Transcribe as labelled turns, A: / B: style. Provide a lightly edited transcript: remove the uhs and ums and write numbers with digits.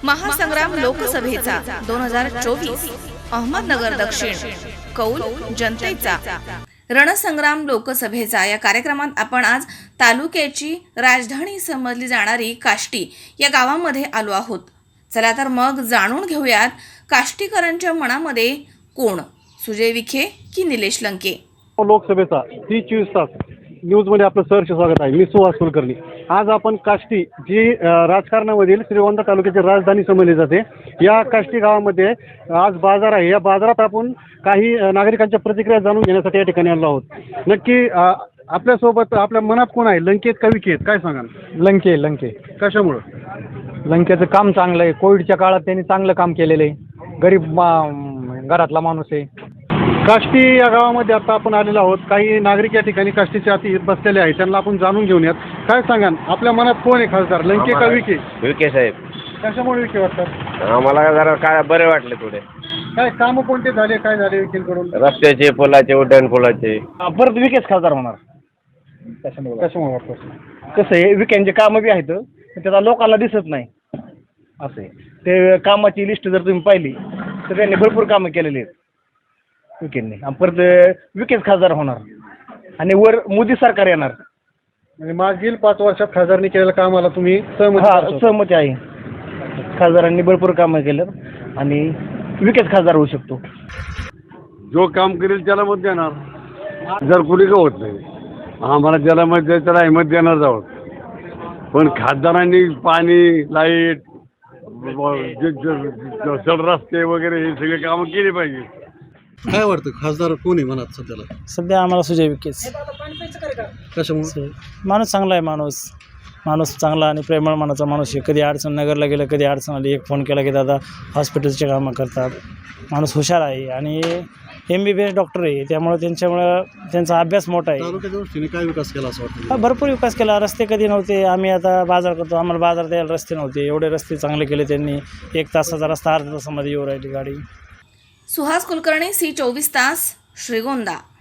A: महासंग्राम लोकसभेचा 2024 अहमदनगर दक्षिण कौल जनतेचा रणसंग्राम लोकसभेचा या कार्यक्रमात आपण आज तालुक्याची राजधानी समजली जाणारी काष्टी या गावामध्ये आलो आहोत। चला तर मग जाणून घेऊयात काष्टीकरांच्या मनामध्ये कोण, सुजय विखे की निलेश लंके।
B: लोकसभेचा 30-24 तास न्यूजमध्ये आपलं सहर्ष स्वागत आहे। मी सुहास कुलकर्णी। आज आपण काष्टी जी राजकारणामधील श्रीगोंदा तालुक्याची राजधानी समजली जाते, या काष्टी गावामध्ये आज बाजार आहे। या बाजारात आपण काही नागरिकांच्या प्रतिक्रिया जाणून घेण्यासाठी या ठिकाणी आलो आहोत। नक्की आपल्यासोबत आपल्या मनात कोण आहे, लंकेत का विखेत, काय सांगाल?
C: लंके
B: कशामुळं?
C: लंकेचं काम चांगलं आहे। कोविडच्या काळात त्यांनी चांगलं काम केलेलं आहे। गरीब घरातला माणूस आहे।
B: काष्टी या गावामध्ये आता आपण आलेलो आहोत। काही नागरिक या ठिकाणी काष्टीच्या आती बसलेले आहेत, त्यांना आपण जाणून घेऊयात। काय सांगाल, आपल्या मनात कोण आहे खासदार, लंके का विखे?
D: विखे साहेब।
B: कशामुळे विखे वाटतात?
D: आम्हाला जरा काय बरे वाटले थोडे।
B: काय कामं कोणते झाले, काय झाले विखेंकडून?
D: रस्त्याचे, पुलाचे, उड्डाण पुलाचे।
C: परत विकेच खासदार होणार।
B: कशामुळे वाटतं?
C: कसं आहे, विकेंचे कामं बी आहेत पण त्याचा लोकांना दिसत नाही असं आहे। ते कामाची लिस्ट जर तुम्ही पाहिली तर त्यांनी भरपूर कामं केलेली आहेत विकेंनी। परत विकेच खासदार होणार आणि वर मोदी सरकार येणार।
B: म्हणजे मागील 5 वर्षात खासदारांनी केलेल्या कामाला तुम्ही सहमत?
C: सहमती आहे। खासदारांनी भरपूर कामं केलं आणि विकेच खासदार होऊ शकतो।
E: जो काम करेल त्याला मत देणार, जर कुणी का होत नाही आम्हाला ज्याला मत द्यायचं त्याला मत देणार जावं। पण खासदारांनी पाणी, लाईट, रस्ते वगैरे हे सगळे कामं केली पाहिजे।
B: काय वाटतं, खासदार कोण आहे मनात सध्याला?
F: सध्या आम्हाला सुजय विखेच।
B: कशामुळे?
F: माणूस चांगला आहे। माणूस चांगला आणि प्रेमळ मनाचा माणूस आहे। कधी अडचण नगरला गेलं, कधी अडचण आली, एक फोन केला की दादा हॉस्पिटलचे कामं करतात। माणूस हुशार आहे आणि MBBS डॉक्टर आहे, त्यामुळे त्यांचा अभ्यास मोठा आहे।
B: तालुक्याच्या दृष्टीने काय विकास केला असं वाटतं?
F: भरपूर विकास केला। रस्ते कधी नव्हते, आम्ही आता बाजार करतो, आम्हाला बाजार द्यायला रस्ते नव्हते, एवढे रस्ते चांगले केले त्यांनी। 1 तासाचा रस्ता अर्ध्या तासामध्ये येऊ राहिली गाडी।
A: सुहास कुलकर्णी, C24 तास, श्रीगोंदा।